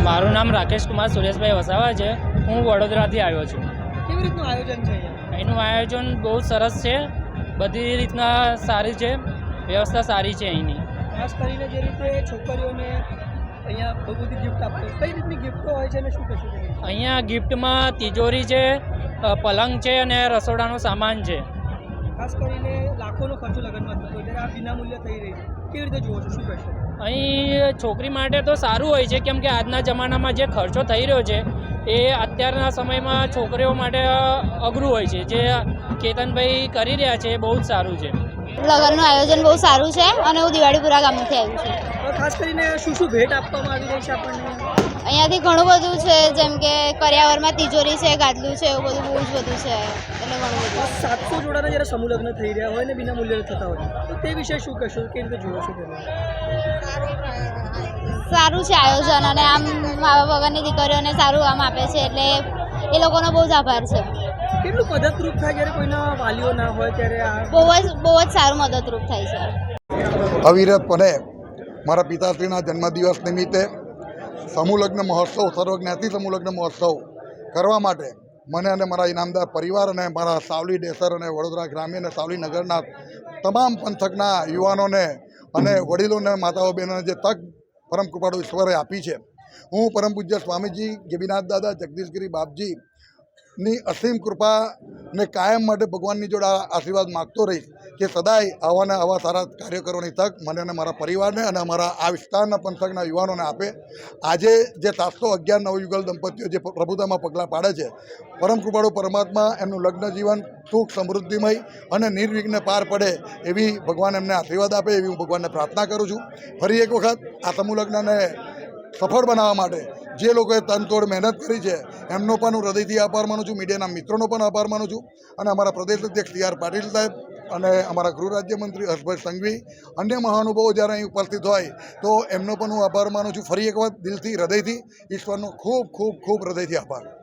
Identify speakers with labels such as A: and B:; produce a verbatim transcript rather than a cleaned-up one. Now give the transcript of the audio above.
A: મારું નામ રાકેશ કુમાર સુરેશભાઈ વસાવા છે. હું વડોદરાથી આવ્યો છું.
B: કેવી રીતનું આયોજન છે અહીંયા?
A: અહીંનું આયોજન બહુ સરસ છે, બધી રીતના સારી છે, વ્યવસ્થા સારી છે અહીંની.
B: ખાસ કરીને જે રીતે છોકરીઓને અહીંયા બહુ બધી ગિફ્ટ આપતો, કઈ રીતની ગિફ્ટો હોય છે અને શું કશું છે?
A: અહીંયા ગિફ્ટમાં તિજોરી છે, અ, પલંગ છે અને રસોડાનો સામાન છે.
B: ખાસ કરીને લાખોનો ખર્ચો લગ્નમાં થતો હોય ત્યારે આ વિના મૂલ્ય થઈ રહી છે, કેવી રીતે જુઓ છો, શું કહેશો?
A: અહીં છોકરી માટે તો સારું હોય છે, કેમ કે આજના જમાનામાં જે ખર્ચો થઈ રહ્યો છે એ અત્યારના સમયમાં છોકરીઓ માટે અઘરું હોય છે. જે કેતનભાઈ કરી રહ્યા છે એ બહુ જ સારું છે.
C: લગ્નનું આયોજન બહુ સારું છે અને હું દિવાળીપુરા ગામથી આવી છું.
B: હવે ખાસ કરીને શું શું ભેટ આપવામાં આવી રહી છે આપણને?
C: અહીંયાથી ઘણું બધું છે, જેમ કે કરિયાવરમાં તિજોરી છે, ગાદલું છે, એવું બધું બહુ જ બધું છે, એટલે ઘણું બધું.
B: સાતસો જોડાના જ્યારે સમૂહ લગ્ન થઈ રહ્યા હોય ને વિના મૂલ્યે થતા હોય તો તે વિશે શું કહેશો, કેવી રીતે જુઓ છો તેને?
C: સારું છે આયોજન, અને આમ મા બાપ વગરની દીકરીઓને સારું આમ આપે છે, એટલે એ લોકોનો બહુ જ આભાર છે.
B: કેટલું મદદરૂપ થાય જ્યારે કોઈના વાલીઓ ના હોય ત્યારે આ?
C: બહુ જ બહુ જ સારું મદદરૂપ થાય છે.
D: અવિરતપણે મારા પિતાશ્રીના જન્મદિવસ નિમિત્તે સમૂહ લગ્ન મહોત્સવ, સર્વજ્ઞાતિ સમૂહ લગ્ન મહોત્સવ કરવા માટે મને અને મારા ઇનામદાર પરિવાર અને મારા સાવલી ડેસર અને વડોદરા ગ્રામ્ય અને સાવલી નગરના તમામ પંથકના યુવાનોને અને વડીલોને, માતાઓ, બહેનોને જે તક પરમ કૃપાળુ ઈશ્વરે આપી છે, હું પરમ પૂજ્ય સ્વામીજી ગેબીનાથ દાદા જગદીશગીરી બાપજી ની અસીમ કૃપાને કાયમ માટે ભગવાનની જોડે આશીર્વાદ માગતો રહીશ કે સદાય આવા ને આવા સારા કાર્યો કરવાની તક મને અને મારા પરિવારને અને અમારા આ વિસ્તારના પંથકના યુવાનોને આપે. આજે જે સાતસો અગિયાર નવયુગલ દંપતીઓ જે પ્રભુતામાં પગલાં પાડે છે, પરમ કૃપાળુ પરમાત્મા એમનું લગ્ન જીવન સુખ સમૃદ્ધિમય અને નિર્વિઘ્ને પાર પડે એવી ભગવાન એમને આશીર્વાદ આપે એવી હું ભગવાનને પ્રાર્થના કરું છું. ફરી એક વખત આ સમૂહ લગ્નને સફળ બનાવવા માટે જે લોકોએ તનતોડ મહેનત કરી છે એમનો પણ હું હૃદયથી આભાર માનું છું. મીડિયાના મિત્રોનો પણ આભાર માનું છું અને અમારા પ્રદેશ અધ્યક્ષ સી આર પાટીલ સાહેબ અને અમારા ગૃહ રાજ્યમંત્રી હર્ષભાઈ સંઘવી, અન્ય મહાનુભાવો જ્યારે અહીં ઉપસ્થિત હોય તો એમનો પણ હું આભાર માનું છું. ફરી એક વખત દિલથી, હૃદયથી ઈશ્વરનો ખૂબ ખૂબ ખૂબ હૃદયથી આભાર.